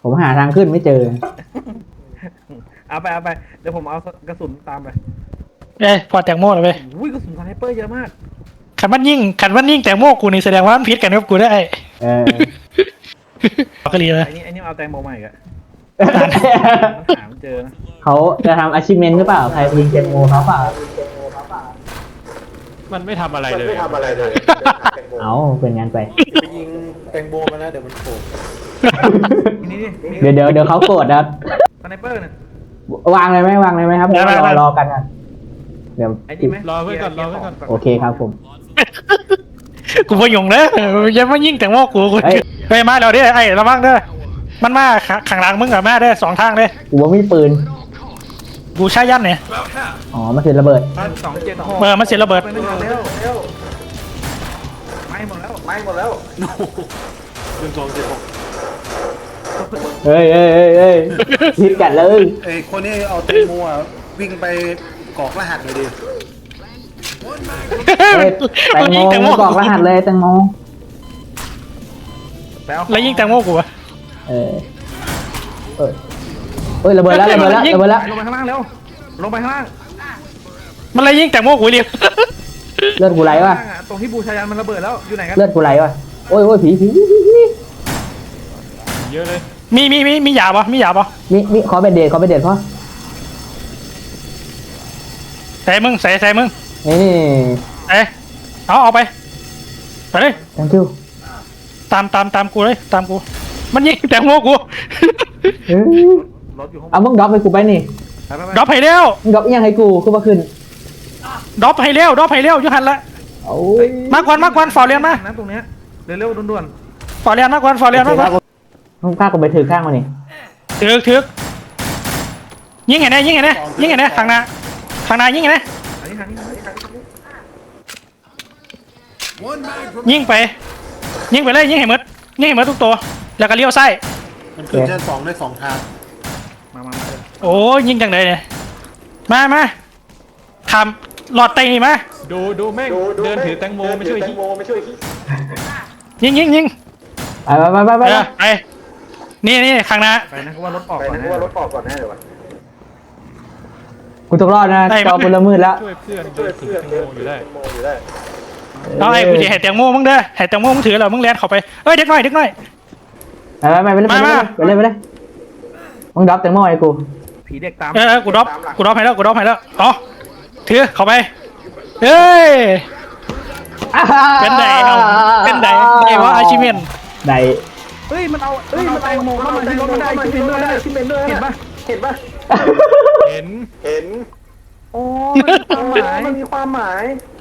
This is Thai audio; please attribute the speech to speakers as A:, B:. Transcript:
A: ผมหาทางขึ้นไม่เจอ
B: เอาไปเดี๋ยวผมเอากระสุนตามไป
C: พอแตงโมเลยไป
B: อุ้ยกระสุนสไนเปอร์เยอะมาก
C: ขันมันยิ่งแตงโมกูนี่แสดงว่ามันพิษกันกับกูได้ก็รีเลย
B: ไอ้นี่เอาแตงโมมาอีกอะมันหาไม่เจอนะ
A: เขาจะทำ achievement หรือเปล่าใครยิงเจมโมเขาเปล่า
D: มันไม่ทำอะไรเลย
A: เอาเป็นงานไป
E: ไปยิงแตงโมมานะเดี๋ยวมันโผล่
B: นี่
A: เดี๋ยวเขาโกรธนะครับ
B: สไนเปอร์เนี่ย
A: วางเลยไหมครับรอกันอ่ะเดี๋ยว
B: ไอ้นี่ไหม
D: รอเพื่อนก่อนรอเพื่อนก่อน
A: โอเคครับผม
C: กูพยงเลยยังไม่ยิ่งแตงโมกูไปมาแล้วเด้อไอ้ระวังเด้อมันมาข้างหลังมึงกับแม่ได้2ทางเลย
A: กูว่ามีปืน
C: กูใช้ยันเนี่ย
A: อ๋อมาถึงระเบิด
B: 276
C: มันเสียระเบิด
B: ไปเร็วไม่หมดแล้ว
E: ปืน276
A: เฮ้ยพิดกันเลย
E: ไอ้คนนี้เอาแตงโมอ่ะวิ่งไปกรอกรหัสเลยดิ
A: แตงโมกรอกรหัสเลยแตงโม
C: แล้วยิ่งแตงโมกูอะ
A: เอ้ยระเบิดแล้ว
B: ลงไปข้างล่างเร็วลงไปข้างล่าง
C: มันเลยยิ่งแตงโมกูเรียก
A: เลือดกูไหลวะ
B: ตรงที่บูชายันมันระเบิดแล้วอยู่ไหนกัน
A: เลือดกูไหลวะโอ้ยผี
D: เยอะเลย
C: มีหยาบมีหยาบ
A: มีขอเป็นเดทพ่อ
C: ใส่มึง
A: นี่
C: เอาไปเลย
A: thank you
C: ตามกูเลยตามกูมันยิ่งแตงโมกู
B: รถอยู่ข้างบ
A: เอา
B: น
A: มึงดรอปให้กูไปนี่
C: ดรอปให้เร็ว
A: มึงดรอปยังให้กูขึ้นมาขึ้น
C: ดรอปให้เร็วยุหันละ
A: โอ้ย
C: มาก่อนฟอร์เรียนมา
B: ตรงเนี้ยเร็วด่วน
C: ฟอร์เรียนมาก่อน
A: มึงฆ่ากูไปถือข้างมานี่
C: ถึกยิงไงเนี่ยข้างหน้ายิงไงเนี่ย
B: ๆอันนี้ทางนี้
C: ยิงไปเลยยิงให้หมดทุกตัวแล้วก็เลี้ยวซ้าย
E: มันขึ้นชั้น2ได้2ทาง
B: มา
C: โอ้ยิงจังเลยเนี่ยมาทำหลอดไตนี่มา
D: ดูแม่งเดินถือแตงโมไม่ช่วยที่
C: ยิง
A: ไป
C: ไปนี่ข้างหน้า
B: ไปนะเพราะว่ารถออกก่อนนะ
A: กูต้องรอดนะจอกูละมืดแล้ว
D: ช่วยเพื่อนเดินถือแตงโมอยู่ได้
C: เอาไอ้กูจะให้แตงโมมึงเด้อให้แตงโมมึงถือแล้วมึงแลนเข้าไปเด็กน้อย
A: ไปเลยมึงดรอปแตงโมให้กู
B: ผีเด็กตาม
C: กูดรอปให้แล้วอ๋อถือเข้าไปเฮ้ยเป็นไดว่าอาชิเมน
A: ได
B: เฮ้ยมันเอาแตงโมเข้ามาที่รถมันได้ชิมเป็นด้วยเห็นปะ
D: เห็น
B: โอ้มันมีความหมาย